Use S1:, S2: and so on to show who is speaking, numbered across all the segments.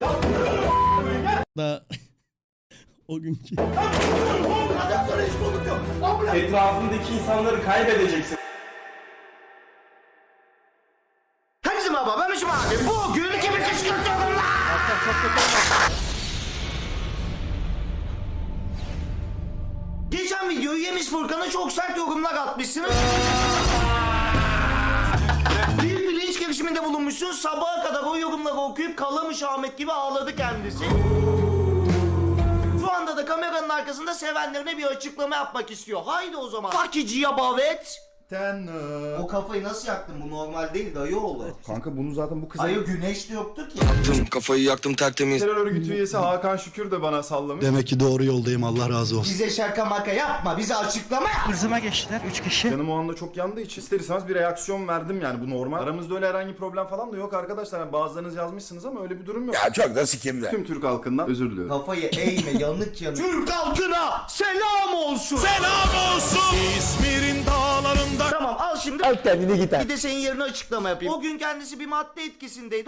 S1: Da o günkü.
S2: Etrafındaki insanları kaybedeceksin.
S3: Herkese merhaba, ben Mişim abi. Bugün kimi kışkırtıyorum lan? Geçen videoyu yemiş Furkan'a çok sert yorumlar atmışsınız. Bir bilinç girişiminde bulunmuşsunuz. Sabaha kadar o yorumları okuyup Kalamış Ahmet gibi ağladı kendisi. Şu anda da kameranın arkasında sevenlerine bir açıklama yapmak istiyor. Haydi o zaman. Fakiciye bavet. O kafayı nasıl yaktın? Bu normal değil dayı oğlu.
S4: Kanka bunu zaten bu kıza...
S3: Dayı güneş de yoktu ki.
S5: Kafayı yaktım tertemiz.
S4: Terör örgütü üyesi Hakan Şükür de bana sallamış.
S6: Demek ki doğru yoldayım, Allah razı olsun.
S3: Bize şaka maka yapma, bize açıklama yap.
S1: Hızıma geçtiler 3 kişi.
S4: Canım o anda çok yandığı için ister istemez bir reaksiyon verdim yani bu normal. Aramızda öyle herhangi bir problem falan da yok arkadaşlar. Yani bazılarınız yazmışsınız ama öyle bir durum yok.
S5: Ya çok da sikimde.
S4: Tüm Türk halkından özür diliyorum.
S3: Kafayı eğme, yanık yanık. Türk halkına selam olsun.
S6: Selam olsun İzmir'in dağlarında.
S3: Tamam al şimdi.
S2: Al kendini git.
S3: Bir de senin yerine açıklama yapayım. O gün kendisi bir madde etkisindeydi.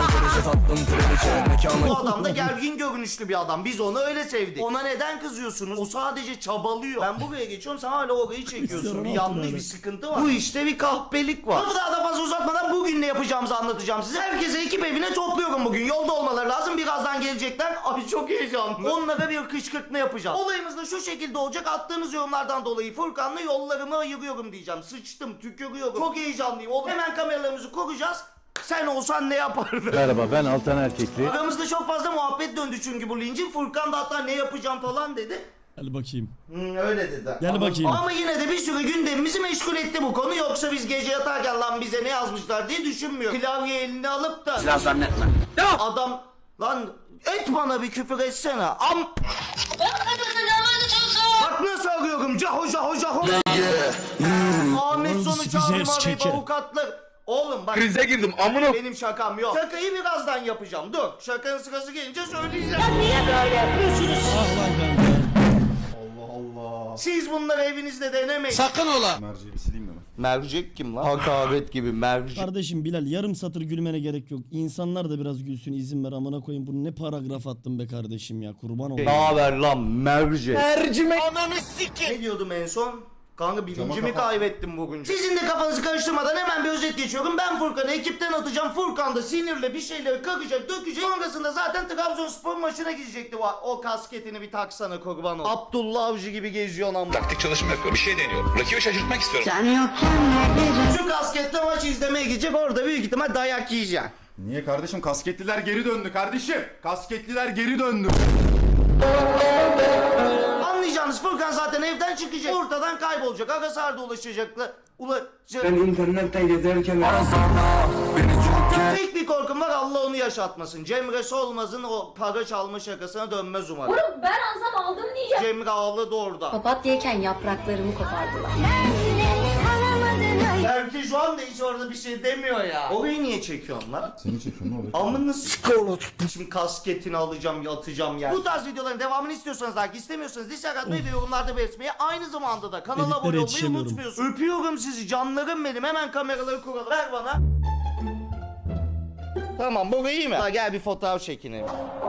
S3: Bu adam da gergin görünüşlü bir adam. Biz onu öyle sevdik. Ona neden kızıyorsunuz? O sadece çabalıyor. Ben buraya geçiyorum, sen hala orayı çekiyorsun. Bir yanlış, bir sıkıntı var. Bu işte bir kahpelik var. Lafı daha da fazla uzatmadan bugün ne yapacağımızı anlatacağım size. Herkese ekip evine topluyorum bugün. Yolda olmaları lazım. Birazdan gelecekler. Abi çok heyecanlı. Onlara bir kışkırtma yapacağım. Olayımız da şu şekilde olacak. Attığınız yorumlardan dolayı Furkan'la yollarımı ayırıyorum diyeceğim. Sıçtım, tükürüyorum. Çok heyecanlıyım oğlum. Hemen kameralarımızı kuracağız. Sen olsan ne yapardın?
S7: Merhaba, ben Altan Erkekli.
S3: Aramızda çok fazla muhabbet döndü çünkü bu lincin. Furkan da hatta ne yapacağım falan dedi.
S1: Gel bakayım.
S3: Öyle dedi.
S1: Gel bakayım.
S3: Ama yine de bir sürü gündemimizi meşgul etti bu konu. Yoksa biz gece yatarken lan bize ne yazmışlar diye düşünmüyorum. Klavye eline alıp da...
S5: Silah zannetme.
S3: Adam... Lan et bana bir küfür etsene. Bak nasıl arıyorum. Caho caho caho. Ahmet sonu
S1: Bize
S3: çağırma arayıp
S1: çeker.
S3: avukatlar. Oğlum bak.
S5: Krize girdim amına.
S3: Benim şakam yok. Şakayı birazdan yapacağım. Dur. Şakanın sırası gelince söyleyeceğim. Ya niye böyle yapıyorsunuz?
S1: Ah lan kanka.
S3: Siz bunları evinizde denemeyin.
S1: Sakın ola.
S4: Merceği bir sileyim mi ben?
S3: Mercek kim lan? Hakaret gibi mercek.
S1: Kardeşim Bilal yarım satır gülmene gerek yok. İnsanlar da biraz gülsün, izin ver amına koyayım. Bunu ne paragraf attın be kardeşim ya, kurban olayım.
S3: Ne haber lan mercek?
S5: Mercimek.
S3: Ananı sikin. Ne diyordum en son? Kanka bilincimi
S4: kafa.
S3: kaybettim bugün. Sizin de kafanızı karıştırmadan hemen bir özet geçiyorum. Ben Furkan'ı ekipten atacağım. Furkan da sinirle bir şeyleri kakacak, dökecek. Sonrasında zaten Trabzonspor maçına gidecekti. O kasketini bir taksana kurban ol. Abdullah Avcı gibi geziyor lan.
S5: Taktik çalışma yapıyorum. Bir şey deniyorum. Rakibi şaşırtmak istiyorum.
S3: Şu kasketle maç izlemeye gidecek. Orada büyük ihtimal dayak yiyeceksin.
S4: Niye kardeşim? Kasketliler geri döndü kardeşim. Kasketliler geri döndü.
S3: Anlayacağınız Furkan zaten evden çıkacak. Ortadan kaybolacak. Agasar'da ulaşacaklar.
S5: Ben internetten gezerken
S3: Tek bir korkum var, Allah onu yaşatmasın. Cemre Solmaz'ın o para çalma şakasına dönmez umarım.
S8: Oğlum ben alsam aldım diyeceğim.
S3: Cemre ağladı orada.
S8: Papatyayken yapraklarımı kopardılar.
S3: Belki şu anda hiç orada bir şey demiyor ya. Orayı niye çekiyorsun lan?
S4: Seni çekiyorum ne oluyor?
S3: Amını Şimdi kasketini alacağım, atacağım yani. Bu tarz videoların devamını istiyorsanız, like istemiyorsanız dislike atmayı ve yorumlarda belirtmeyi, aynı zamanda da kanala
S1: Editlere
S3: abone olmayı
S1: yetişemiyorum.
S3: unutmuyorsunuz. Öpüyorum sizi canlarım benim. Hemen kameraları kuralım. Ver bana. Tamam bu iyi mi? Ha, gel bir fotoğraf çekinelim.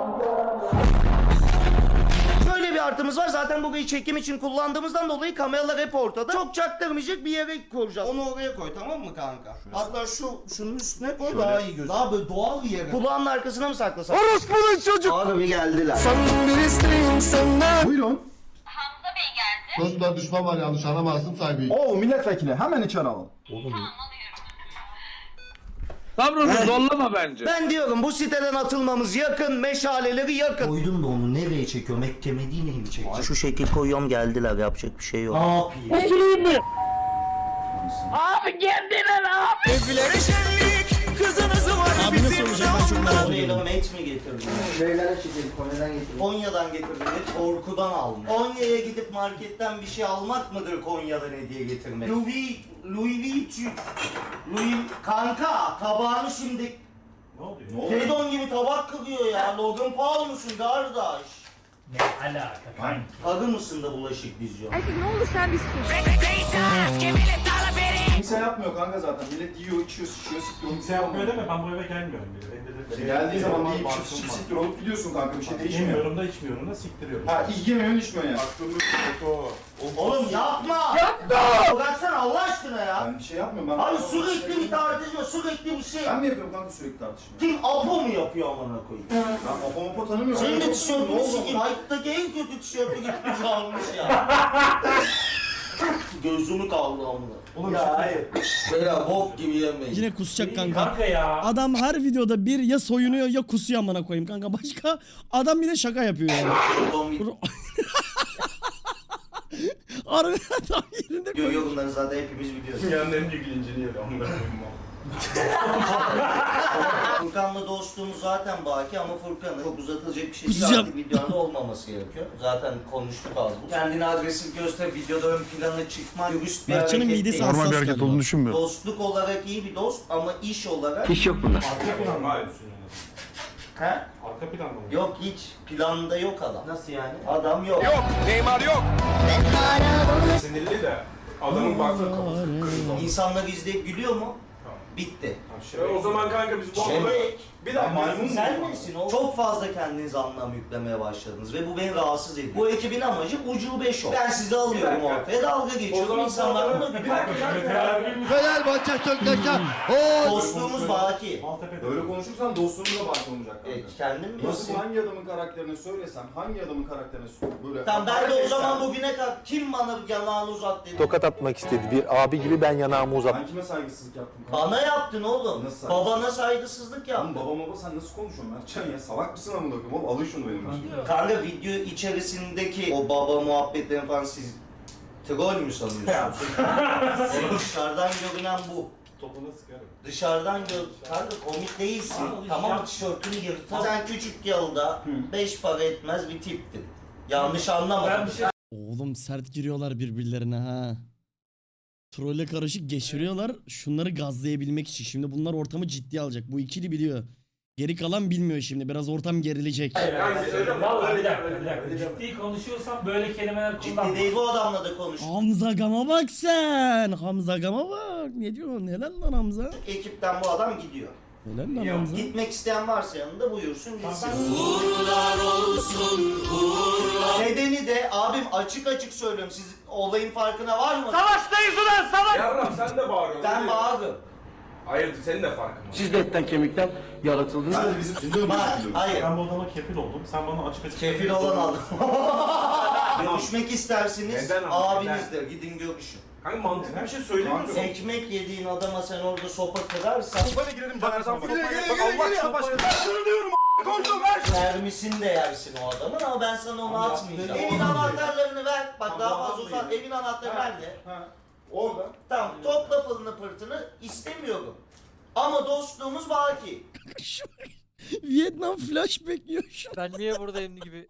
S3: Şöyle bir artımız var. Zaten burayı çekim için kullandığımızdan dolayı kameralar hep ortada. Çok çaktırmayacak bir yere koyacağız. Onu oraya koy, tamam mı kanka? Hatta şunun üstüne koy, daha iyi gözüküyor. Daha böyle doğal bir yere. Kulağının arkasına mı saklasak?
S5: Orospu'nun çocuk.
S3: Abi geldiler.
S5: Bir isteğim senden.
S4: Buyurun.
S9: Dostlar düşman var, yanlış anlamazsın saygıyı.
S4: Oo milletvekili hemen içeri alalım.
S7: Sabrını zorlama bence.
S3: Ben diyorum bu siteden atılmamız yakın, meşaleleri yakın. Koydum da onu nereye çekiyorum? Eklemediğine mi çekiyorum? Şu şekil koyuyorum, geldiler, yapacak bir şey yok. Ne yapayım?
S8: Abi geldiler abi.
S1: Abi nasıl olacak, ben çok merak
S3: Konya'dan
S1: ediyorum.
S3: met mi getirdin? Neylere çekelim? Konya'dan getirdim. Konya'dan getirdim. Korkudan aldım. Konya'ya gidip marketten bir şey almak mıdır Konya'dan hediye getirmek? Louis kanka tabağını şimdi... Ne oluyor? Fedon gibi tabak kırıyor ya. Logan Paul musun kardeş?
S10: Ne alaka kanka?
S3: Arı mısın da bulaşık diziyorsun?
S8: Ne olur sen bir sus.
S4: Kimse yapmıyor kanka zaten. Millet yiyor, içiyor, sıçıyor, sıkıyor.
S10: Kimse yapmıyor deme, ben bu eve gelmiyorum bile.
S4: Geldiği zaman bir yiyip çıp siktir olup gidiyorsun kanka, bir şey değişmiyor.
S10: Yemiyorum da içmiyorum da siktiriyorum.
S4: Ha, yemiyorsun içmiyorsun yani.
S3: Oğlum yapma! Yapma! Bıraksana Allah aşkına ya!
S4: Ben bir şey yapmıyorum ben.
S3: Abi sürekli bir tartışma, sürekli bir şey.
S4: Ben mi yapıyorum kanka sürekli tartışma?
S3: Kim Apo mu yapıyor amına koyayım?
S4: Ben Apo tanımıyorum.
S3: Senin de
S4: Ne
S3: tişörtünü
S4: oldu?
S3: sikeyim. Hayattaki en kötü tişörtü gitmiş almış ya. Gözümü kaldı amına.
S10: Oğlum
S3: Ya hayır. Böyle bok gibi yemeyin.
S1: Yine kusacak kanka.
S10: Kanka ya.
S1: Adam her videoda bir ya soyunuyor ya kusuyor amına koyayım kanka. Başka adam bir de şaka yapıyor yani. Harbiden tam yerinde koyuyor.
S3: Görüyor bunları zaten hepimiz biliyoruz.
S2: Dünyanın en büyük lincini yedi. Ondan
S3: Furkan'la dostluğumuz zaten baki ama Furkan'ın çok uzatılacak bir şey değil.
S1: Kusacağım.
S3: Artık videoda olmaması gerekiyor. Zaten konuştuk az bu. Kendini agresif göster, videoda ön plana çıkma, dürüst bir
S1: Mertcan'ın
S3: hareket
S1: midesi
S3: değil.
S1: hassas galiba.
S6: düşünmüyorum.
S3: Dostluk olarak iyi bir dost ama iş olarak...
S5: İş yok bunda.
S10: Arka plan mı?
S3: He?
S10: Arka plan mı?
S3: Yok hiç. Planda yok adam. Nasıl yani? Adam yok.
S6: Neymar yok.
S2: sinirli de adamın baksana kafası kırmızı.
S3: İnsanlar izleyip gülüyor mu? Bitti.
S2: O zaman kanka biz bu
S3: Şebek.
S2: bir dakika
S4: Maymun
S3: Sen
S4: mu?
S3: misin o? Çok fazla kendinize anlam yüklemeye başladınız ve bu beni rahatsız ediyor. Bu ekibin amacı ucube şov. Ben sizi alıyorum ortaya, dalga geçiyorum. İnsanlar da gülüyor.
S5: Fenerbahçe Söktaş'a.
S3: Dostluğumuz baki.
S10: Maltepe'de.
S4: Böyle konuşursan dostluğun da bak olacak kanka.
S3: Kendin mi?
S4: Nasıl hangi adamın karakterini söylesem, hangi adamın karakterini böyle...
S3: Tamam ben de o zaman bugüne kadar kim bana yanağını uzat dedi.
S6: Tokat atmak istedi. Bir abi gibi ben yanağımı uzattım.
S4: Ben kime saygısızlık yaptım kanka?
S3: Bana yaptın oğlum.
S4: Nasıl?
S3: Babana saygısızlık
S4: Oğlum
S3: yaptın.
S4: baba sen nasıl konuşuyorsun Mertcan ya? Salak mısın amına koyayım oğlum? Alın şunu benim başıma.
S3: Kanka video içerisindeki o baba muhabbetlerini falan siz troll mü sanıyorsunuz? Dışarıdan görünen bu.
S10: Topuna sıkarım.
S3: Dışarıdan kanka komik değilsin. Tamam tişörtünü yırtar. Sen küçük yılda 5 para etmez bir tiptin. Yanlış anlama.
S10: Ben bir şey
S1: Oğlum sert giriyorlar birbirlerine ha. Trolle karışık geçiriyorlar şunları gazlayabilmek için. Şimdi bunlar ortamı ciddiye alacak. Bu ikili biliyor. Geri kalan bilmiyor şimdi. Biraz ortam gerilecek.
S10: Vallahi bir dakika. Ciddi konuşuyorsam böyle kelimeler kullanma.
S3: Ciddi değil bu adamla da konuş.
S1: Hamza Gam'a bak sen. Hamza Gam'a bak. Ne diyorsun? Helal lan Hamza.
S3: Ekipten bu adam gidiyor.
S1: Helal lan Hamza.
S3: Gitmek isteyen varsa yanında buyursun gitsin. Uğurlar olsun uğurlar. Nedeni de abim açık açık söylüyorum. Siz olayın farkına var mı?
S10: Savaştayız ulan savaş!
S2: Yavrum sen de bağırıyorsun.
S3: Ben bağırdım.
S2: Hayır senin de farkın var.
S5: Siz de etten kemikten yaratıldınız.
S4: Sen de bizim sizin
S3: Bak hayır.
S10: Ben bu adama kefil oldum. Sen bana açık açık...
S3: Kefil olan adam. Görüşmek istersiniz
S2: Neden ama,
S3: abinizle gidin görüşün.
S2: Kanka mantıklı bir şey söylemiyorsun.
S3: Ekmek yediğin adama sen orada sopa kırarsan
S4: Sopayla girelim Caner'den.
S3: mermisini de yersin o adamın ama ben sana onu atmayacağım. Evin anahtarlarını ver. Bak daha fazla uzat. Evin anahtarı nerede?
S4: Ha. Orada.
S3: Tamam topla pılını pırtını istemiyorum. Ama dostluğumuz baki.
S1: Vietnam flashback yiyor şu an.
S11: Ben niye buradayım gibi.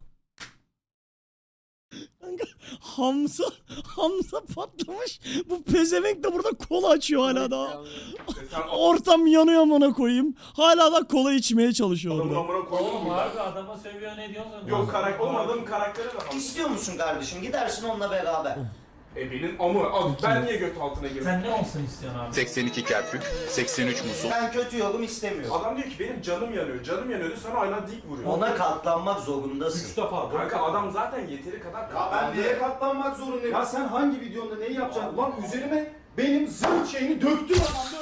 S1: Kanka, Hamza patlamış. Bu pezevenk de burada kola açıyor hala daha. Ortam yanıyor amına koyayım. Hala da kola içmeye çalışıyor
S2: Adamın
S1: orada.
S2: amına koyalım
S10: Oğlum
S2: mı?
S10: harbi adama sövüyor ne diyorsun?
S2: Yok oğlum adamın karakteri de var.
S3: İstiyor musun kardeşim? Gidersin onunla beraber.
S2: Benim amı. Abi ben niye göt altına girdim?
S10: Sen ne olsun istiyorsun abi?
S6: 82 kerpük, 83 musul.
S3: Ben kötü yorum istemiyorum.
S2: Adam diyor ki benim canım yanıyor. Canım yanıyordu sana hala dik vuruyor.
S3: Ona katlanmak zorundasın.
S10: 3 defa.
S2: Kanka adam zaten yeteri kadar
S4: Ya ben neye katlanmak zorundayım? Ya sen hangi videonda neyi yapacaksın? Lan üzerime benim zırh şeyini döktün adamda.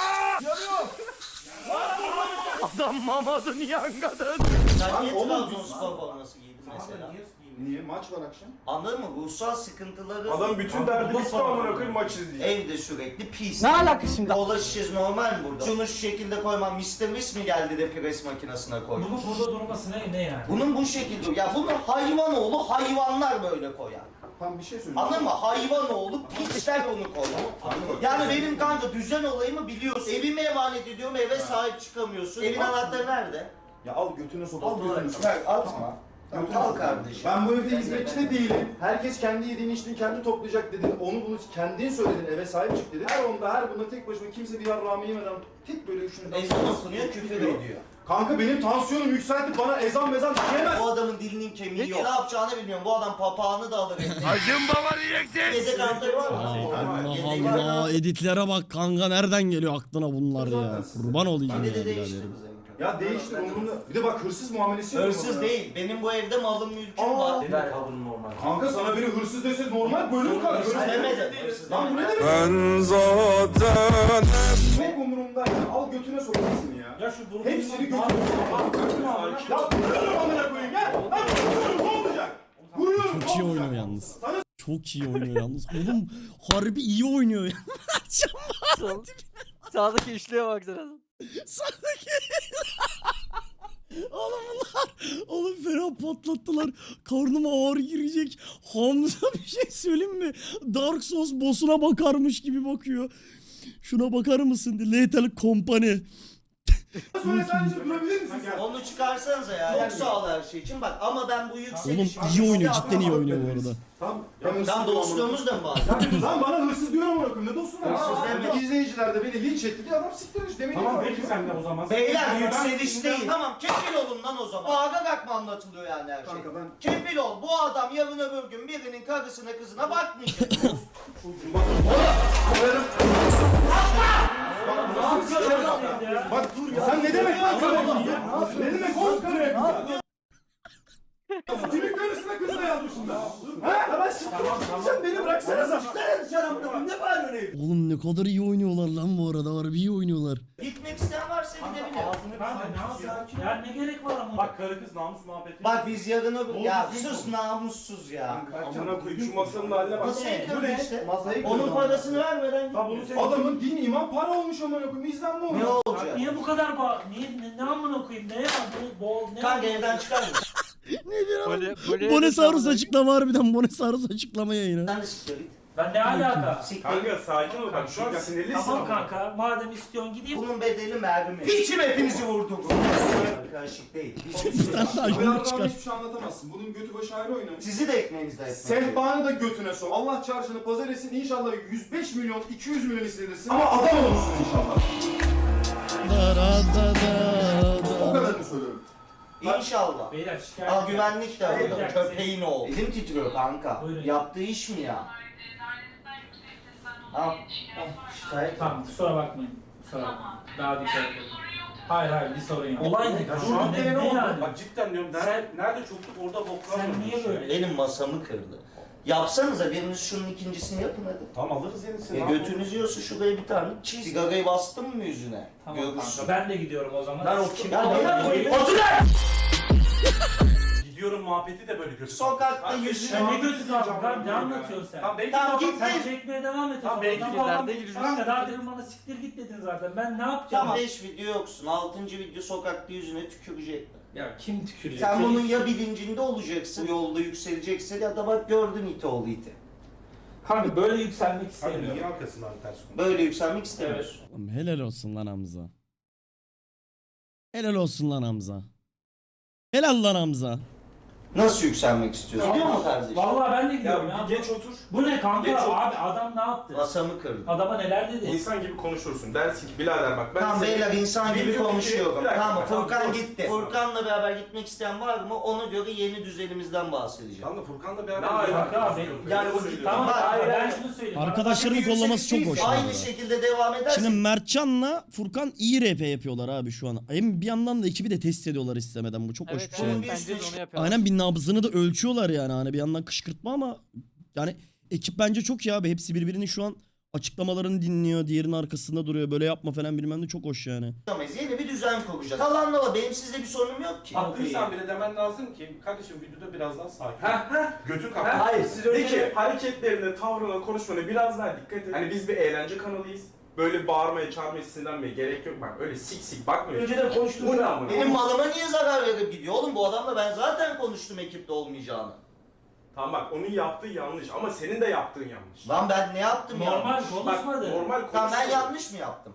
S3: Adam Mamadou Nianga'dan. Sen niye
S4: oğlum,
S3: Trabzonspor forması giydin mesela?
S4: Niye? Maç var akşam.
S3: Anladın mı? Ruhsal sıkıntıları
S2: Adam bütün derdi bitti amına koyayım maç izleyecek.
S3: evde sürekli pis.
S11: Ne alaka şimdi?
S3: Kola şişesi normal mi burada? Şunu şu şekilde koymam. Mr. Whis mi geldi de pres makinesine koydu?
S10: Bunun burada durması ne yani?
S3: Bunun bu şekilde. Ya bunu hayvanoğlu hayvanlar böyle koyar.
S4: Tam bir şey söyleyeyim.
S3: Anladın mı? Hayvanoğlu pisler onu koyar. Yani benim kanka düzen olayımı biliyorsun. Evime emanet ediyorum eve sahip çıkamıyorsun. Evin anahtarı nerede?
S4: Ya al götüne sok. Al
S3: Al
S4: götüne sok.
S3: Ver atma. Al kardeşim.
S4: Ben bu evde hizmetçi de değilim. Herkes kendi yediğini içtiğini kendi toplayacak dedin. Onu bunu kendin söyledin. Eve sahip çık dedin. Her onda her bunda tek başıma kimse bir yarrağımı yemeden tek böyle üçünü.
S3: Ezan okunuyor, küfür ediyor.
S4: Kanka benim tansiyonum yükseltip bana ezan mezan diyemez.
S3: Bu adamın dilinin kemiği yok. Ne yapacağını bilmiyorum. Bu adam papağanı da alır.
S6: Hacım baba diyeceksin.
S3: Yedek anahtarı var mı?
S1: Allah Allah, editlere bak kanka, nereden geliyor aklına bunlar ya? Kurban olayım ya
S3: Yine de değişti
S1: biraderim.
S3: bu zemin.
S4: Ya değiştir umurumda. Bir de bak hırsız muamelesi yapıyor
S3: Hırsız
S4: bana.
S3: değil. Benim bu evde malım mülküm var.
S4: Kanka sana biri hırsız dese normal böyle mi kalır?
S3: Demedim. Hırsız
S4: Lan bu ne
S3: demedim.
S4: demek?
S6: Ben zaten...
S4: Çok umurumda ya. Al götüne sokarsın ya.
S10: Ya şu durum
S4: Hepsini götüne sokarsın. Ya vuruyorum amına koyayım ya. Lan vuruyorum ne olacak? Vuruyorum
S1: Çok iyi
S4: ne
S1: oynuyor
S4: olacak?
S1: yalnız.
S4: Sana
S1: Çok iyi oynuyor yalnız. Oğlum harbi iyi oynuyor ya.
S5: Sağdaki üçlüye baksana.
S1: Sağdaki. Oğlum bunlar. Oğlum fena patlattılar. Karnıma ağır girecek. Hamza bir şey söyleyeyim mi? Dark Souls boss'una bakarmış gibi bakıyor. Şuna bakar mısın? Lethal Company.
S4: söyle sadece durabilir misin sen?
S3: Onu çıkarsanıza ya. Çok sağ ol her şey için. Bak ama ben bu
S1: Oğlum
S3: yükselişim...
S1: iyi oynuyor. Cidden iyi oynuyor bu arada.
S4: Tamam. Ben hırsız
S3: Sen
S4: diyorum
S3: dostluğumuz da mı var?
S4: amına- Lan bana hırsız diyorum amına koyayım. Ne dostum var?
S3: Hırsız deme.
S4: İzleyiciler de beni linç etti diye adam siktirmiş. Demek ki
S2: Tamam peki sen de o zaman.
S3: Beyler yükseliş değil. Tamam kefil olun lan o zaman. Bağırarak mı anlatılıyor yani her şey?
S4: Kanka ben...
S3: Kefil ol. Bu adam yarın öbür gün birinin karısına kızına bakmayacak.
S4: Bak dur ya. Sen ne demek lan? Ne demek oğlum karıya kıza? Kimin karısına kızına yazmışım ben? Ha? Ya ben siktireceğim beni bıraksana sen.
S3: Ne bağırıyorsun evde?
S1: Oğlum ne kadar iyi oynuyorlar lan bu arada. Harbi iyi oynuyorlar.
S3: Gitmek isteyen varsa gidebilir.
S10: Kanka ne yapıyorsun? Ya ne gerek var ama?
S2: Bak karı kız namus muhabbeti.
S3: Bak biz yarın öbür... Ya sus namussuz ya.
S2: Amına koyayım şu masanın haline bak.
S3: Nasıl
S4: Bu ne işte? Masayı
S3: Onun parasını vermeden git.
S4: Adamın din iman para olmuş amına koyayım. İzlen mi
S3: Ne
S4: olmuş?
S3: olacak?
S10: Niye bu kadar ne amına koyayım? Ne ya? Ne
S3: Kanka evden çıkar mısın?
S1: Ne diyor? Bonesaurus açıklama harbiden. Bonesaurus açıklama yayını.
S3: Sen de siktir git.
S10: Ben ne alaka?
S3: Siktir
S2: Kanka
S3: git.
S2: sakin ol bak şu an sinirlisin.
S10: Tamam kanka. Madem istiyorsun gideyim.
S3: Bunun bedeli mermi. Piçim hepinizi vurdum. Karışık değil.
S1: Bir tane daha
S4: Bu
S1: yumruk
S4: yarrağımı
S1: çıkar.
S4: hiçbir şey anlatamazsın. Bunun götü başı ayrı oynamış.
S3: Sizi de ekmeğinizde etmek.
S4: Sehpanı da götüne sok. Allah çarşını pazar etsin. İnşallah 105 milyon, 200 milyon istedirsin. Ama adam olursun inşallah.
S1: Da da da da
S4: O
S1: da.
S4: kadarını söylüyorum.
S3: İnşallah.
S10: Beyler şikayet.
S3: Al güvenlik de
S10: Beyler,
S3: burada. Köpeğin oğlu. Elim titriyor kanka.
S10: Buyurun.
S3: Yaptığı iş mi ya? Al. Şikayet.
S10: Tamam kusura bakmayın. Kusura bakmayın. Daha dikkat edin. Hayır bir sorun yok. Olay ne?
S2: Ya
S10: Şu
S2: şu
S10: an
S2: an
S10: ne yani?
S2: Bak cidden diyorum nerede çokluk orada boklar
S10: Sen
S2: var.
S10: niye böyle?
S3: Benim masamı kırdı. Yapsanıza biriniz şunun ikincisini yapın hadi.
S2: Tamam alırız yenisini.
S3: Götünüz yiyorsa şuraya bir tane çiz. Sigarayı bastın mı yüzüne?
S10: Tamam
S3: Görürsün.
S10: kanka ben de gidiyorum o zaman.
S2: Ben o kim?
S3: Ya ne koyayım?
S2: Gidiyorum muhabbeti de böyle kötü.
S3: Sokakta yüzüne...
S10: Ya ne gözü lan? Ne anlatıyorsun sen?
S2: Tamam belki
S3: Tamam,
S2: de
S3: git.
S10: Sen çekmeye devam et.
S2: Tamam,
S10: o
S2: belki
S10: zaman.
S2: de
S10: Tamam,
S5: nerede gireceğiz?
S10: Kanka daha demin bana siktir git dedin zaten. Ben ne yapacağım?
S3: Tamam 5 video yoksun. 6. video sokakta yüzüne tükürecekler.
S10: Ya kim tükürecek?
S3: Sen bunun ya bilincinde olacaksın, yolda yükseleceksin ya da bak gördün iti oğlu iti.
S10: Kanka böyle yükselmek
S2: Hadi
S10: istemiyorum.
S2: niye arkasından ters konu?
S3: Böyle yükselmek istemiyorsun.
S1: Oğlum helal olsun lan Hamza. Helal olsun lan Hamza. Helal lan Hamza.
S3: Nasıl yükselmek istiyorsun? Gidiyor mu kardeşim?
S10: Vallahi ben de gidiyorum ya.
S2: Ya bir geç otur.
S10: Bu ne kanka?
S2: Geç otur.
S10: Abi adam ne yaptı?
S3: Masamı kırdı.
S10: Adama neler dedi?
S2: İnsan gibi konuşursun. Dersin ki birader bak ben
S3: Tamam
S2: size-
S3: beyler insan gibi
S2: Video
S3: konuşuyorum.
S2: bir dakika,
S3: Tamam
S2: tamam,
S3: Furkan
S2: dur.
S3: gitti. Furkan'la beraber gitmek isteyen var mı? Ona göre yeni düzenimizden bahsedeceğim.
S2: Tamam da Furkan'la
S10: Ne
S2: beraber...
S10: alaka abi?
S3: Yani o
S10: Tamam
S3: Bak,
S10: hayır ben
S3: ben-
S10: şunu söyleyeyim.
S1: Arkadaşlarını
S3: Bak,
S1: kollaması çok
S3: yükseliş
S1: hoş.
S3: değil.
S1: bu
S3: Aynı
S1: arada.
S3: şekilde devam edersin.
S1: Şimdi Mertcan'la Furkan iyi RP yapıyorlar abi şu an. Hem bir yandan da ekibi de test ediyorlar istemeden. Bu çok hoş bir şey.
S3: evet.
S5: Bence de onu yapıyorlar.
S1: Aynen bir nabzını da ölçüyorlar yani. Hani bir yandan kışkırtma ama yani ekip bence çok iyi abi. Hepsi birbirinin şu an açıklamalarını dinliyor. Diğerinin arkasında duruyor. Böyle yapma falan bilmem de çok hoş yani.
S3: Yeni bir düzen kuracağız. Kalanla benim sizde bir sorunum yok ki.
S2: Haklıysan bile demen lazım ki kardeşim videoda biraz daha sakin. Götün kalk.
S10: Hayır, siz
S2: De
S10: öyle-
S2: ki hareketlerine, tavrına, konuşmana biraz daha dikkat et. Hani biz bir eğlence kanalıyız. Böyle bağırmaya, çağırmaya, sinirlenmeye gerek yok. Bak öyle sik sik bakmıyor.
S10: Önceden konuştuk.
S2: Bu ne amına?
S3: Benim malıma niye zarar verip gidiyor oğlum? Bu adamla ben zaten konuştum ekipte olmayacağını.
S2: Tamam bak onun yaptığı yanlış ama senin de yaptığın yanlış.
S3: Lan ben ne yaptım ya?
S10: Normal
S2: Bak
S10: konuşmadı.
S2: normal
S3: Tamam ben
S2: konuşuyor.
S3: yanlış mı yaptım?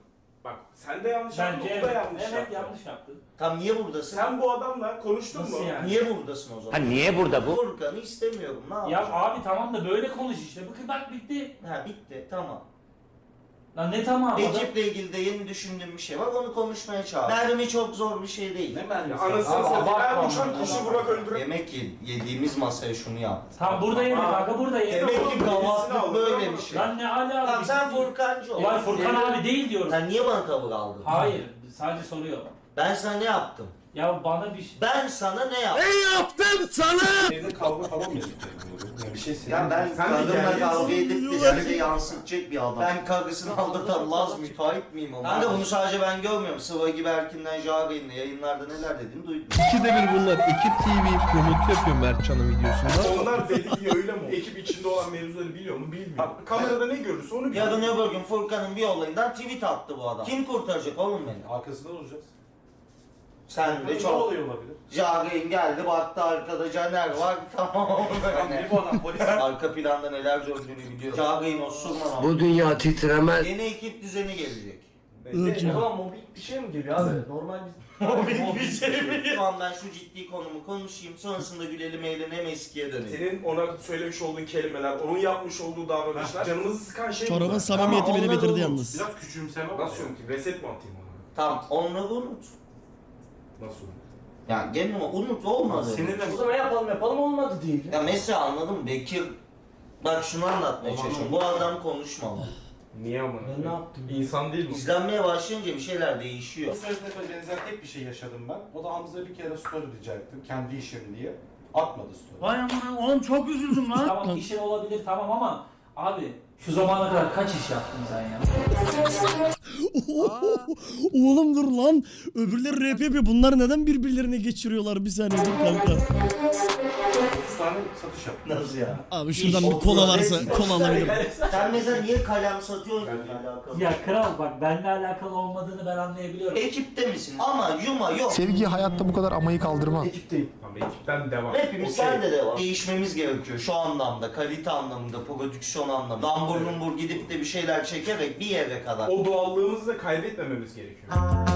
S2: Bak sen de yanlış yaptın,
S10: Bence
S2: o da
S10: evet.
S2: yanlış
S10: Evet
S2: yaptı.
S10: yanlış yaptın.
S3: Tam niye buradasın?
S2: Sen bu adamla konuştun
S10: Nasıl
S2: mu?
S10: yani?
S3: Niye buradasın o zaman?
S5: niye burada bu?
S3: Furkan'ı istemiyorum. Ne
S10: Ya
S3: yapayım?
S10: abi tamam da böyle konuş işte. Bakın bak bitti.
S3: Ha bitti tamam.
S10: Lan ne tamam adam.
S3: Ekiple ilgili de yeni düşündüğüm bir şey var. Onu konuşmaya çağır. Mermi çok zor bir şey değil.
S2: Ya anasını satayım. Her uçan kişi Burak öldürür.
S3: Demek ki yediğimiz masaya şunu yaptı.
S10: Tam burada yedik kanka burada yedik.
S3: Demek ki
S2: Birisini
S3: kavaklık
S2: aldı,
S3: böyle
S2: tamam.
S3: bir şey.
S10: Lan ne ala
S3: Tamam sen Furkancı ol.
S10: Ya Furkan abi değil diyorum.
S3: Sen niye bana tavır aldın?
S10: Hayır sadece soruyor.
S3: Ben sana ne yaptım?
S10: Ya bana bir şey...
S3: Ben sana ne yaptım?
S2: Evde kavga falan mı edecek? Bir şey
S3: Ya ben
S2: Sen de
S3: kadınla
S2: gerginsin.
S3: kavga edip de size yansıtacak bir adam. Ben karısını aldatan Laz müteahhit miyim ama? Kanka bunu sadece ben görmüyorum. Sıva gibi Erkin'den Jağrı'nın yayınlarda neler dediğini duydum.
S6: İkide bir bunlar. Ekip TV promotu yapıyor Mertcan'ın videosunda.
S2: Onlar dediği öyle mi? Ekip içinde olan mevzuları biliyor mu? Bilmiyor. Kamerada ne görürse onu biliyor.
S3: Yarın öbür gün Furkan'ın bir olayından tweet attı bu adam. Kim kurtaracak oğlum beni?
S4: Arkasında olacağız.
S3: Sen de
S4: Ne
S3: çok.
S4: oluyor olabilir?
S3: Jağrı'nın geldi baktı arkada Caner var tamam.
S4: Ne bu adam polis?
S3: Arka planda neler döndüğünü biliyor. Jağrı'nın osurman ama.
S5: Bu dünya titremez.
S3: Yeni ekip düzeni gelecek.
S1: Irkçı.
S2: mobil bir şey mi geliyor abi? Normal
S3: Mobil bir şey mi? Şu an ben şu ciddi konumu konuşayım. Sonrasında gülelim eğlenelim eskiye dönelim.
S2: Senin ona söylemiş olduğun kelimeler, onun yapmış olduğu davranışlar canımızı sıkan şey
S1: Çorabın
S2: bunlar.
S1: samimiyeti
S3: Ama
S1: beni
S3: onları
S1: bitirdi
S3: unut.
S1: yalnız.
S4: Biraz küçümseme var.
S2: Nasıl unutayım? Reset mi atayım ona?
S3: Tamam onları unut.
S2: Nasıl unutayım?
S3: Yani genel olarak unut olmadı.
S4: Seninle
S10: O zaman yapalım olmadı değil.
S3: Ya mesela anladın mı? Bekir bak şunu anlatmaya çalışıyorum. Bu adam konuşmamalı.
S2: Niye amına?
S10: Ben ne yaptım?
S2: İnsan değil mi?
S3: İzlenmeye başlayınca bir şeyler değişiyor.
S4: Bu sefer benzer tek bir şey yaşadım ben. O da Hamza bir kere story rica ettim. Kendi işim diye. Atmadı story.
S10: Vay amına oğlum çok üzüldüm lan. Tamam işin olabilir tamam ama abi şu zamana kadar kaç iş yaptın sen ya?
S1: Oğlum dur lan. Öbürleri rap yapıyor. Bunlar neden birbirlerine geçiriyorlar? Bir saniye dur kanka.
S4: 30 tane satış yaptım.
S3: Nasıl ya?
S1: Abi şuradan bir kola varsa kola alabilirim.
S3: Sen mesela niye kalem satıyorsun? Alakalı.
S10: Ya kral bak benimle alakalı olmadığını ben anlayabiliyorum.
S3: Ekipte misin? Ama yuma yok.
S6: Sevgi hayatta bu kadar amayı kaldırmaz.
S10: Ekipteyim.
S2: Tamam ekipten devam.
S3: Hepimiz
S2: Okey.
S3: sende de var. Değişmemiz gerekiyor şu anlamda, kalite anlamında, prodüksiyon anlamında. Lambur lumbur gidip de bir şeyler çekerek bir yere kadar.
S2: O doğallığımızı da kaybetmememiz gerekiyor.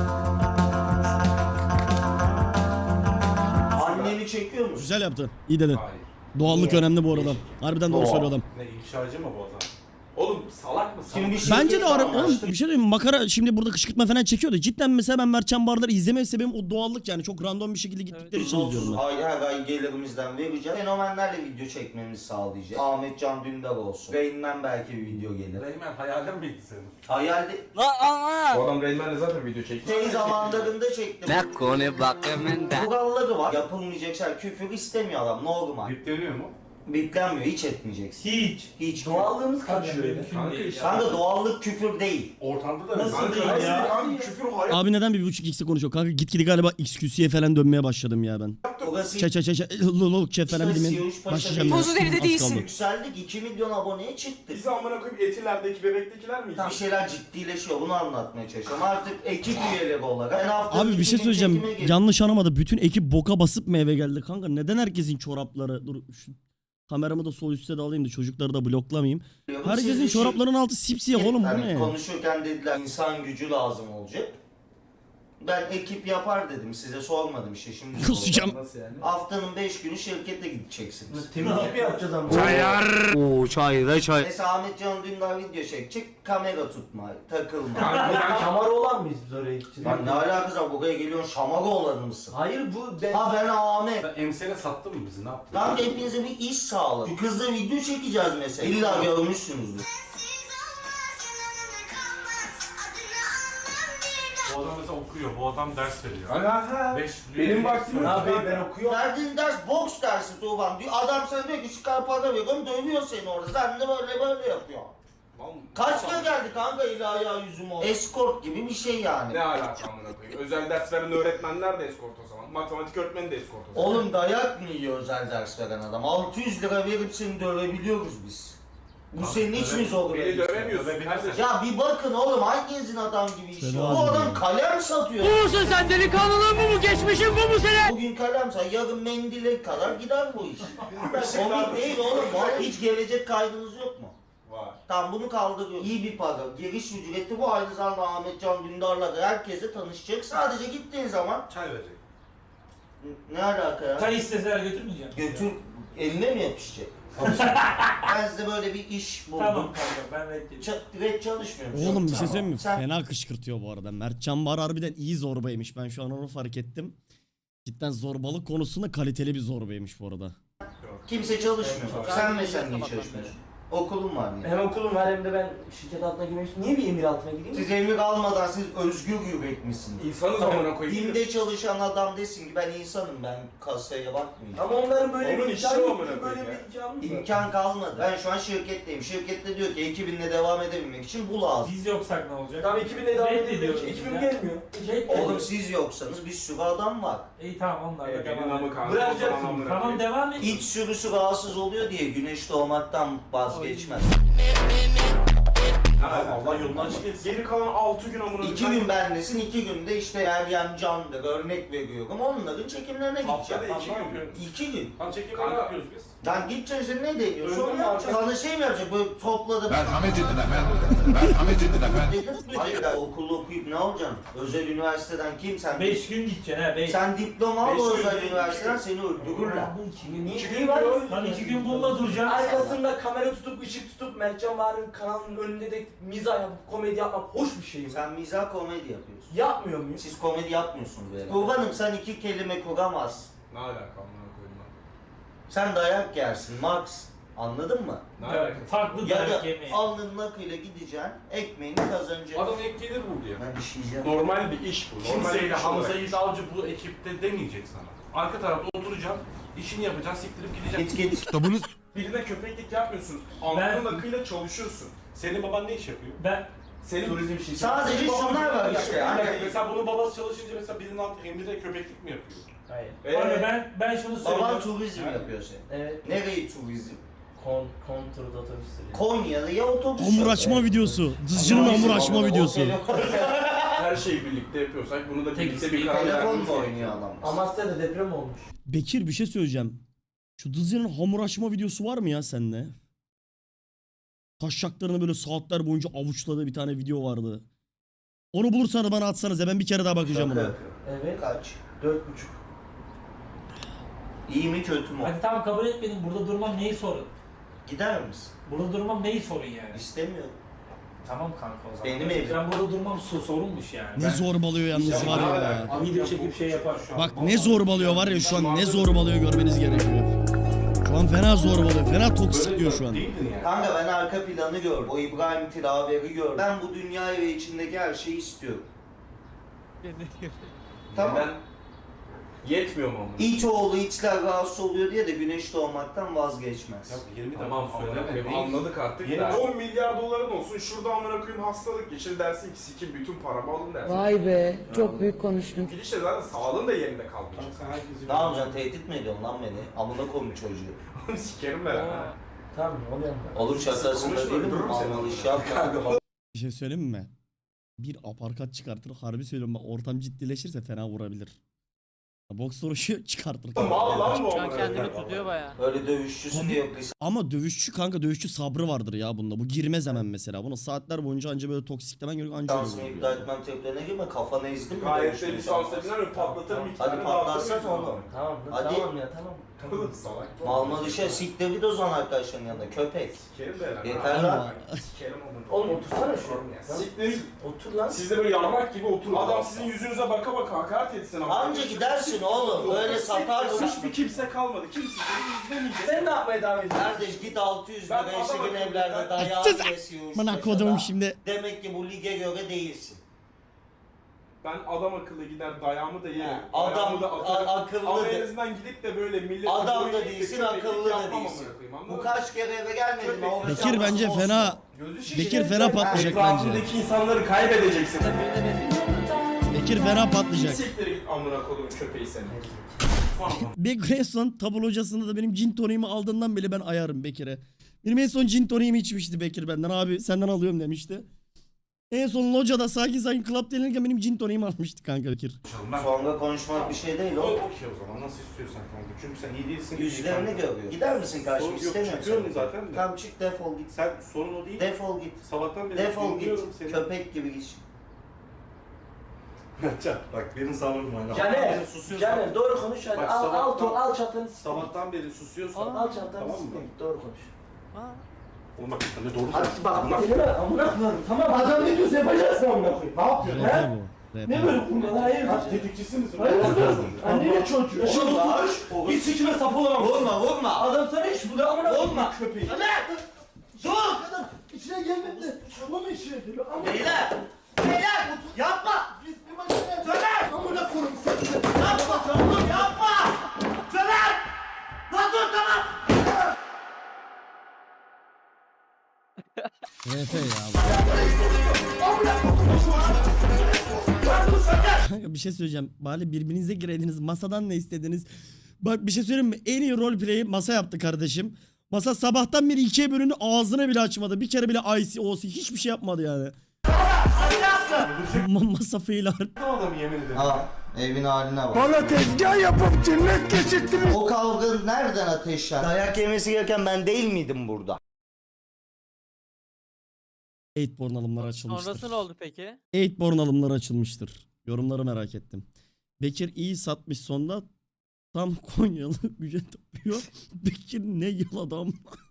S3: Anneni çekiyor musun?
S1: Güzel yaptı. İyi dedin.
S2: Hayır.
S1: Doğallık
S3: Niye?
S1: önemli bu arada. Harbiden doğru
S3: Doğa.
S1: söylüyor adam.
S4: Ne ifşacı mı bu adam?
S2: Oğlum salak mısın?
S3: Şimdi bir şey
S1: Bence de oğlum bir şey diyeyim mi? Makara şimdi burada kışkırtma falan çekiyordu. Cidden mesela ben Mertcan Bardar'ı izleme sebebim o doğallık yani. Çok random bir şekilde gittikleri için izliyorum ben.
S3: Ay her ay gelirimizden vereceğiz. Fenomenlerle video çekmemizi sağlayacak. Ahmet Can Dündar olsun. Rainman belki bir video gelir.
S4: Reymen hayalin miydi senin?
S3: Hayalde
S2: Bu adam Rainman'le zaten video çekti.
S3: şey zamanlarında çektim.
S5: Ne konu bakımında.
S3: Kuralları var. Yapılmayacak şey. Küfür istemiyor adam. Normal.
S4: Yükleniyor mu?
S3: Biplenmiyor. Hiç etmeyeceksin.
S10: Hiç.
S3: Hiç.
S10: Doğallığımız kaçıyor. Mümkün
S2: Kanka
S10: değil
S2: işte.
S10: ya.
S3: Kanka doğallık küfür değil.
S4: Ortamda da
S10: Nasıl
S4: mesela-
S10: değil
S2: Kanka,
S10: ya?
S2: kanka küfür hayat.
S1: Abi neden 1.5x'e konuşuyor? Kanka gitgide galiba XQC'ye falan dönmeye başladım ya ben.
S3: Orası
S1: Lolok çe falan bilimin. Başlayacağım ya.
S3: Tozu
S8: deride
S1: Az
S8: değilsin.
S1: kaldı.
S3: yükseldik. 2 milyon aboneye çıktık.
S2: Biz amına koyup etilerdeki bebektekiler miyiz?
S3: Bir şeyler ciddileşiyor. Bunu anlatmaya çalışıyorum. Artık ekip üyeleri olarak. Ben haftanın
S1: Abi bir
S3: 2
S1: şey
S3: gün
S1: söyleyeceğim.
S3: çekime geliyorum.
S1: Yanlış anlamadı. Bütün ekip boka basıp mı eve geldi kanka? Neden herkesin çorapları... Dur şu kameramı da sol üstte de alayım da çocukları da bloklamayayım. Herkesin
S3: Siz bir şey-
S1: çoraplarının altı sipsiyah oğlum bu
S3: Hani
S1: ne?
S3: konuşurken dediler insan gücü lazım olacak. Ben ekip yapar dedim. Size sormadım işte şimdi.
S1: Kusacağım.
S2: Nasıl yani?
S3: Haftanın 5 günü şirkete gideceksiniz.
S10: Temizlik mi yapacağız ama?
S5: Oo çayda çay.
S3: Mesela Ahmet Can Dündar video çekecek. Kamera tutma, takılma.
S10: Şamar olan mıyız biz oraya gideceğiz?
S3: Lan ne alakası var? Buraya geliyorsun şamaga olanı mısın?
S10: Hayır bu ben...
S3: Ha ben Ahmet.
S4: Sen emsene sattın mı bizi? Ne yaptın?
S3: Lan hepinize bir iş sağladım. Şu kızla video çekeceğiz mesela. İlla görmüşsünüzdür.
S4: Bu adam mesela okuyor. Bu adam ders veriyor.
S2: Aha. Benim vaktim
S10: Ne
S2: yok.
S10: yapayım ben okuyorum.
S3: Verdiğin ders boks dersi Tufan diyor. Adam sana diyor ki çıkar para veriyorum dövüyor seni orada. Sen de böyle yapıyor. Kaç kere geldi kanka eli ayağı yüzüme o. Escort gibi bir şey yani.
S2: Ne alaka amına koyayım? Özel ders veren öğretmenler de eskort o zaman. Matematik öğretmeni de eskort o zaman.
S3: Oğlum dayak mı yiyor özel ders veren adam? 600 lira verip seni dövebiliyoruz biz. Bu senin hiç mi zor?
S2: Beni dövemiyorsun kardeşim.
S3: Ya bir bakın oğlum hanginizin adam gibi işi
S1: Fena
S3: var? Bu
S1: değil
S3: adam
S1: ya.
S3: kalem satıyor.
S5: Musun sen delikanlılığın bu mu? Geçmişin bu mu senin?
S3: Bugün kalem sat, yarın mendile kadar gider bu iş. Komik değil oğlum. Vallahi hiç gelecek kaydınız yok mu?
S2: Var.
S3: Tamam bunu kaldırıyor. İyi bir para. Giriş ücreti bu. Aynı zamanda Ahmet Can Dündar'la da herkese tanışacak. Sadece gittiğin zaman
S2: Çay verecek.
S3: ne alaka ya?
S10: Çay isteseler götürmeyeceğim.
S3: Götür eline mi yapışacak? Ben size böyle bir iş buldum.
S10: Tamam kanka ben reddediyorum.
S3: Direkt çalışmıyorum.
S1: Oğlum bir şey
S3: Tamam.
S1: söyleyeyim mi?
S3: Sen
S1: Fena kışkırtıyor bu arada. Mertcan Bar harbiden iyi zorbaymış. Ben şu an onu fark ettim. Cidden zorbalık konusunda kaliteli bir zorbaymış bu arada.
S3: kimse çalışmıyor.
S2: Evet,
S3: Sen mesela niye çalışmıyorsun? Okulun var niye?
S5: Hem okulum var hem de ben şirket altına girmek istiyorum. Niye bir emir altına gireyim?
S3: Siz emir almadan siz özgür yürek misiniz?
S2: İnsanız amına koyayım.
S3: BİM'de çalışan adam desin ki ben insanım, ben kasaya bakmayacağım.
S5: Ama onların böyle
S2: Onun
S5: bir
S2: işi
S5: imkanı
S2: o
S5: yok.
S2: amına
S5: Böyle
S2: koyayım ya.
S5: bir imkanı yok.
S3: İmkan kalmadı. Ben şu an şirketteyim. Şirkette diyor ki ekibinle devam edebilmek için bu lazım.
S10: Biz yoksak ne olacak?
S5: Tamam 2000'de devam
S10: Reddediyoruz
S5: ediyor. 2000
S10: ya.
S5: gelmiyor.
S3: Oğlum siz yoksanız bir sürü adam var.
S10: İyi tamam onlar da
S2: Benim
S10: devam
S2: namı
S10: edelim.
S2: kanka.
S5: Bırakacaksın.
S2: Amına
S10: Tamam
S2: koyayım.
S10: devam et.
S3: İç sürüsü rahatsız oluyor diye güneş doğmaktan vazgeçmez.
S2: Allah yolundan çıkıyorsun. Geri kalan 6 gün amına
S3: 2 gün bendesin, 2 günde işte Meryem Can'dır, örnek veriyorum. Onların çekimlerine
S2: Haftada
S3: gideceğim.
S2: 2 gün.
S3: 2 gün.
S2: Tam çekim ne yapıyoruz biz?
S3: Lan gideceksin sen ne deniyorsun?
S2: Öyle
S3: Sonra
S2: mi
S3: yapacaksın. Sana şey mi yapacak? Böyle topladım.
S9: Merhamet edin efendim. Merhamet edin efendim.
S3: Hayır ben okulu okuyup ne olacaksın? Özel üniversiteden kim sen?
S10: 5 gün gideceksin ha 5.
S3: Sen diploma al
S2: Beş
S3: o
S2: gün
S3: özel
S2: değil,
S3: üniversiteden
S2: üç
S3: seni öldürürler.
S5: Niye?
S2: İki
S5: Niye
S2: gün
S5: var?
S2: diyor.
S10: Lan 2 gün bununla duracaksın.
S5: Arkasında kamera tutup ışık tutup Mertcan Bahar'ın kanalının önünde de mizah yapıp komedi yapmak hoş bir şey mi?
S3: Sen mizah komedi yapıyorsun.
S5: Yapmıyor muyum?
S3: Siz komedi yapmıyorsunuz böyle. Kurbanım sen 2 kelime kuramazsın.
S2: Ne alaka amına koyayım lan?
S3: Sen dayak yersin Max. Anladın mı?
S2: Ne
S10: Evet,
S2: alaka?
S10: farklı
S3: Ya
S10: dayak
S3: da
S10: yemeği.
S3: alnının akıyla gideceksin, ekmeğini kazanacaksın.
S2: Adam ek gelir buldu ya.
S3: Ben işeyeceğim.
S2: Normal bir iş bu. Normal bir
S11: Kimseyle
S2: iş
S11: Hamza
S2: olarak.
S11: Yiğit Avcı bu ekipte demeyecek sana. Arka tarafta oturacaksın, işini yapacaksın, siktirip gideceksin.
S3: Git git.
S2: Birine köpeklik yapmıyorsun. Alnının akıyla çalışıyorsun.
S11: Senin baban ne iş yapıyor?
S10: Ben
S2: Senin
S11: Turizm işi.
S3: Sadece şunlar var işte. Hani
S11: Mesela bunun babası çalışınca mesela birinin altı emride köpeklik mi yapıyor?
S10: hayır. Abi ben şunu
S3: baban
S10: söylüyorum.
S3: turizm yapıyor senin.
S5: Evet.
S3: Nereyi turizm?
S5: Konturda otobüs sürüyor.
S3: Konya'da ya otobüs.
S1: Hamur
S3: yok.
S1: açma videosu. Dızcının hamur açma videosu.
S2: Her şeyi birlikte yapıyorsak bunu da
S10: Tek
S2: birlikte bir karar
S3: Telefon
S2: vermemiz
S3: mu
S2: gerekiyor.
S3: oynuyor adam?
S5: Amasya'da deprem olmuş.
S1: Bekir bir şey söyleyeceğim. Şu Dızcının hamur açma videosu var mı ya sende? Taşşaklarını böyle saatler boyunca avuçladığı bir tane video vardı. Onu bulursanız bana atsanız ya ben bir kere daha bakacağım
S3: Şaka
S1: ona.
S3: yapıyor.
S5: Evet.
S3: Kaç?
S5: 4,5.
S3: İyi mi kötü mü?
S10: Hadi tamam kabul etmedim. Burada durmam neyi sorun?
S3: Gider misin?
S10: Burada durmam neyi sorun yani?
S3: İstemiyorum.
S10: Tamam kanka o zaman.
S3: Benim evim.
S10: Ben burada durmam sorunmuş yani.
S1: Ne zorbalıyor yalnız var ya.
S10: Video çekip şey yapar şu an.
S1: Bak ne zorbalıyor var ya şu an ne zorbalıyor görmeniz gerekiyor. Şu an fena zorbalıyor. Fena toksikliyor şu an.
S11: Değildin yani.
S3: Kanka ben arka planı gördüm. O İbrahim Tilaveri gördüm. Ben bu dünyayı ve içindeki her şeyi istiyorum. Tamam.
S2: Ben yetmiyor mu amına?
S3: İç oğlu içler rahatsız oluyor diye de güneş doğmaktan vazgeçmez.
S11: Ya 20
S2: Tamam
S11: defa
S2: amına
S11: söyleme.
S2: koyayım
S11: Değil.
S2: anladık artık
S11: Yeni-
S2: da. 10 milyar doların olsun şurada amına koyayım hastalık geçir dersin ki sikim bütün paramı alın dersin.
S8: Vay be, çok büyük konuştun.
S2: Gidişle zaten sağlığın da yerinde kalmayacak.
S11: Sen herkesi
S3: Ne yapacaksın? Tehdit mi ediyorsun lan beni? Amına koyayım çocuğu.
S2: Sikerim ben ha.
S5: Tamam ne oluyor?
S3: Olur şakasında
S2: Konuşma,
S3: değil mi?
S2: öldürürüm seni.
S3: Almalı iş yap kanka.
S1: Bir şey söyleyeyim mi? Bir aparkat çıkartır. Harbi söylüyorum bak ortam ciddileşirse fena vurabilir. Boks vuruşu çıkartır.
S2: Mal lan bu amına koyayım.
S5: tutuyor baya.
S3: Öyle dövüşçüsü diye yok.
S1: Ama dövüşçü kanka dövüşçü sabrı vardır ya bunda. Bu girmez hemen mesela. Bunu saatler boyunca anca böyle toksiklemen gerekiyor. Anca öyle
S3: Lisansımı
S1: vuruyor.
S3: iptal etmem tepkilerine girme. Kafanı ezdim mi?
S2: Gayet
S3: dövüşte
S2: de lisans edilen ve patlatırım iki
S3: Hadi
S2: tane
S3: patlatsana
S2: dağıtırım.
S3: oğlum.
S5: Tamam
S3: Hadi.
S5: tamam ya tamam.
S2: Oğlum salak.
S3: Malma dışa siktir git o zaman arkadaşların yanında. Köpek.
S2: Sikerim de herhalde.
S3: Yeter lan.
S2: Sikerim amına.
S5: Oğlum otursana şu.
S2: Siktir.
S5: Otur lan.
S2: Siz de böyle yarmak gibi oturun. Adam sizin yüzünüze baka baka hakaret etsin ama.
S3: Anca gidersin oğlum. Böyle satarsın.
S2: Hiçbir kimse kalmadı. Kimse seni izlemeyecek.
S5: Sen ne yapmaya devam ediyorsun?
S3: Kardeş git 600
S2: Ben
S3: lira eşi
S2: adama
S3: gün evlerde
S2: ben-
S3: dayağı
S1: Sus!
S3: kesiyorsun.
S1: Bana kodum şimdi.
S3: Demek ki bu lige göre değilsin.
S2: Ben adam akıllı gider dayağımı da yerim.
S3: Adam
S2: Dayağımı da atarım.
S3: akıllı
S2: Ama en
S3: de.
S2: azından gidip de böyle millet...
S3: Adam da değilsin, akıllı da değilsin. Bu kaç kere eve gelmedin mi? O
S1: Bekir bence
S3: olsun.
S1: fena. Bekir fena patlayacak bence.
S2: Etrafındaki insanları kaybedeceksin.
S1: Bekir fena patlayacak.
S2: Siktir git amına kodumun köpeği seni.
S1: Bekir en son tablo hocasında da benim gin toniğimi aldığından beri ben ayarım Bekir'e. Benim en son gin toniğimi içmişti Bekir benden. Abi senden alıyorum demişti. En son locada sakin club denirken benim gin toniğimi almıştı kanka Bekir.
S11: Ben
S3: Sonra konuşmak bir şey değil o.
S11: okey o zaman nasıl istiyorsan kanka. Çünkü sen iyi değilsin.
S3: Yüzlerini görüyor. Gider misin karşıma? İstemiyorum
S11: Çıkıyorum
S3: seni.
S11: zaten de.
S3: Tamam çık defol git.
S11: Sen sorun o değil.
S3: Defol git.
S11: Sabahtan beri
S3: Defol git.
S11: dinliyorum seni.
S3: Köpek gibi git.
S11: Mertcan bak benim sabrım var.
S5: Caner,
S11: Susuyorsun.
S5: Caner doğru konuş hadi.
S11: Bak,
S5: Al
S11: sabahtan-
S5: al çatanı siktir.
S11: Sabahtan beri susuyorsan.
S5: Al çantanı
S11: Tamam mı?
S5: siktir. Doğru konuş.
S11: Oğlum bak sen de doğru
S5: Hadi
S11: söylüyorsun.
S5: bak elime amına koyarım. Tamam adam ne diyorsa yapacaksın amına koyayım. Ne yapıyorsun
S1: RP
S5: he?
S1: bu. RP.
S5: Ne böyle kurban hayır.
S11: Kaç tetikçisi misin?
S5: Hayırdır? Annene çocuğu. Şimdi
S3: Olma.
S5: oturmuş. Bir sikime sap olamam.
S3: Vurma.
S5: Adam sana hiç bu da amına koyayım.
S3: Olma.
S5: Köpeği.
S3: Dur.
S5: Adam içine gelmedi. Çabuk içine geliyor.
S3: Beyler. Beyler. Yapma.
S5: Biz bir maçına.
S3: Caner.
S5: Amına koyayım seni.
S3: Yapma. Oğlum yapma. Caner. Lan dur tamam.
S1: RP ya. Kanka bir şey söyleyeceğim. Bari birbirinize gireydiniz. Masadan ne istediniz? Bak bir şey söyleyeyim mi? En iyi roleplay'i masa yaptı kardeşim. Masa sabahtan beri ikiye bölündü. Ağzını bile açmadı. Bir kere bile IC, OC hiçbir şey yapmadı yani. Masa fail
S11: Adamı yemin ederim.
S3: Aa, evin haline bak.
S4: Bana tezgah yapıp cennet geçirttiniz.
S3: O kavga nereden ateşler? Dayak yemesi gereken ben değil miydim burada?
S1: 8born alımları açılmıştır.
S10: Sonrası ne oldu peki?
S1: 8born alımları açılmıştır. Yorumları merak ettim. Bekir iyi satmış sonda. Tam Konyalı güce tapıyor. Bekir ne yıl adam.